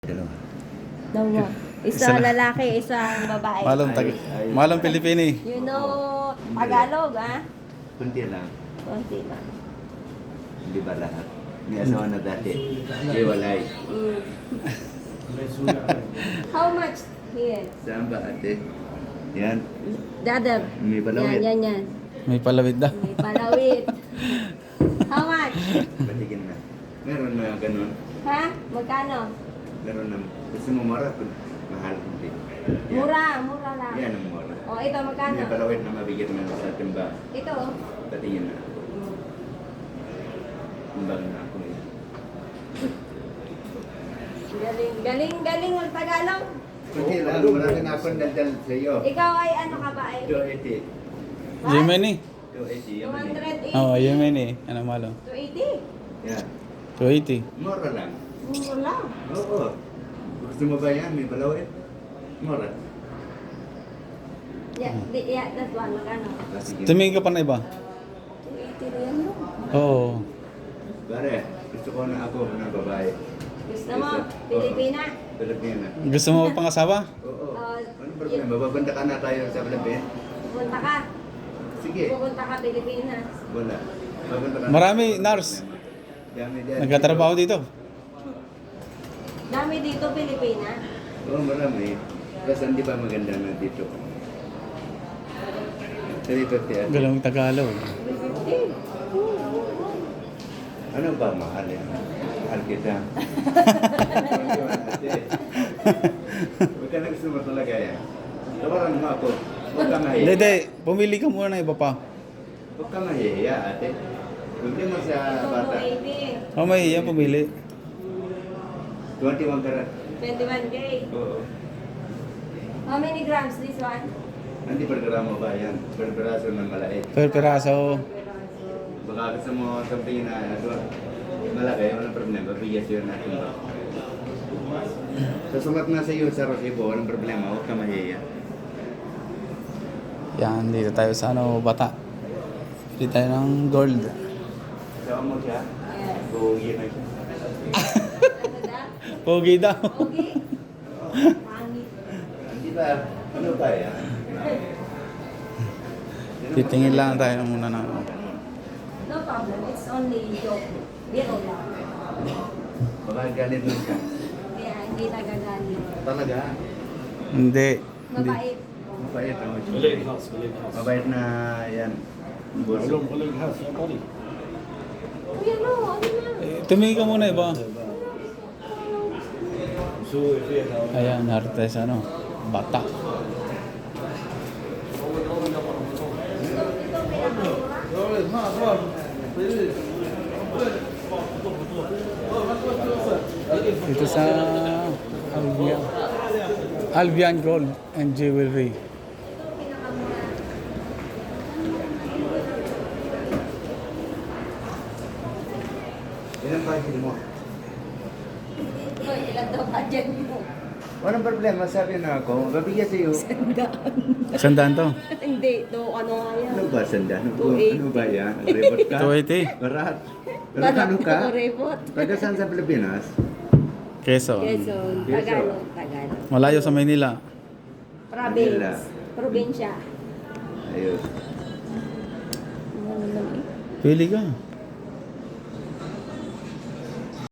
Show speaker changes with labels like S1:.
S1: Dalawa.
S2: Dalawa. Isang lalaki, isang babae.
S3: Malang Pilipini.
S2: You know Tagalog, ha?
S1: Kunti lang.
S2: Konti lang.
S1: Hindi ba lahat? May asawa na dati. Iwalay.
S2: How much here?
S1: Saan ba ate? Yan.
S2: The other.
S1: May palawit.
S2: Yan.
S3: May palawid daw.
S2: May palawit. How much?
S1: Batigin na. Meron na ganun.
S2: Ha? Magkano?
S1: Meron na. Gusto mo mura? Mahal. Hindi. Yan.
S2: Mura lang.
S1: Yan ang mura.
S2: O, ito magkano?
S1: May palawit na mabigyan mo sa timba.
S2: Ito.
S1: Batigin na. Timbang na ako eh.
S2: Galing ang Tagalog.
S1: Kunti lang. Marami na akong daldal sa iyo.
S2: Ikaw ay ano ka ba? Ay,
S1: 280.
S2: What?
S3: Yemeni.
S1: 280. Yaman eh.
S2: 280.
S3: Oh, Yemeni. Ano malo?
S2: 280.
S1: Yan.
S3: 280.
S1: Mura lang.
S2: Mura lang.
S1: Oo. Gusto mo ba yan? May palawit? Mura.
S2: Yeah, that one. Magkano?
S1: Sige.
S3: Tumingin ka pa na iba?
S2: 280 rin mo.
S3: Oo.
S1: Pare, gusto ko na ako ng babae.
S2: Gusto mo? Pilipina?
S1: Pilipina.
S3: Gusto mo pangasawa?
S1: Oo.
S2: Oh,
S1: Ano problema? Babanda ka na tayo sa Pilipina?
S2: Pupunta ka.
S1: Sige.
S2: Pupunta ka Pilipinas.
S1: Wala. Babanda ka na.
S3: Marami, nurse.
S1: Dami dyan.
S3: Nagkatrabaho dito.
S2: Dami dito, Pilipina.
S1: Oo, marami. Kasi hindi pa maganda na dito. 350 ate.
S3: Galang Tagalog.
S2: 350.
S1: Ano ba mahal yan? Mahal kita. Ate. Huwag ka na gusto mo talaga yan. Tawaran mo ako. Huwag ka mahiya.
S3: Dede, pumili ka muna ng iba pa.
S1: Huwag ka mahiya, ate. Huwag mo sa
S2: Ito,
S1: bata.
S2: 280.
S3: Oh, may iya pumili.
S1: 21 karat.
S2: 21K.
S1: Oo.
S2: How many grams this one?
S1: Hindi pergramo ba yan? Perperaso ng malait.
S3: Per peraso.
S1: Baka gusto mo sabihin na malaki, walang problema. Bigyan siya natin ba? Sasumat na sa iyo sa Rosibo, walang problema. Huwag ka mahiya.
S3: Yan, dito tayo sa bata. Dito tayo ng gold.
S1: Sawa mo siya?
S2: Yes.
S1: Bugi na siya.
S2: Ano daw?
S3: Pogi daw.
S2: Okay. Pangit.
S1: Hindi ba? Ano ba yan?
S3: Titingin lang tayo muna na.
S2: No problem. It's only joke. Biro lang.
S1: Baka galit mo siya.
S2: Kaya hindi nagagalit.
S1: Talaga?
S3: Hindi.
S2: Mabait.
S1: Mabait ang
S4: Balik house.
S1: Mabait na yan. Buso.
S4: Balik house, yung body.
S2: Kuya, no. Ano na?
S3: Tumingin ka muna iba.
S4: So, if you have
S3: Ayan, narito tayo sa bata. Dito sa Albion Gold and Jewelry.
S1: Ilan ba mo?
S2: Ito, ilan daw budget mo?
S1: Walang problema, sabi na ako. Babigyan sa iyo.
S3: Sandaan to?
S2: Hindi. Ito, ano nga yan?
S1: Ano ba, sanda? Ano,
S2: 280.
S1: ano ba yan? Rebot ka?
S3: 280.
S1: Barat. Pero ano ka?
S2: Repot.
S1: Taga saan sa Pilipinas?
S3: Quezon.
S2: Quezon. Tagalog.
S3: Malayo sa Maynila.
S1: Manila.
S2: Province. Probinsya.
S1: Ayos.
S2: Ano naman eh?
S3: Pili ka.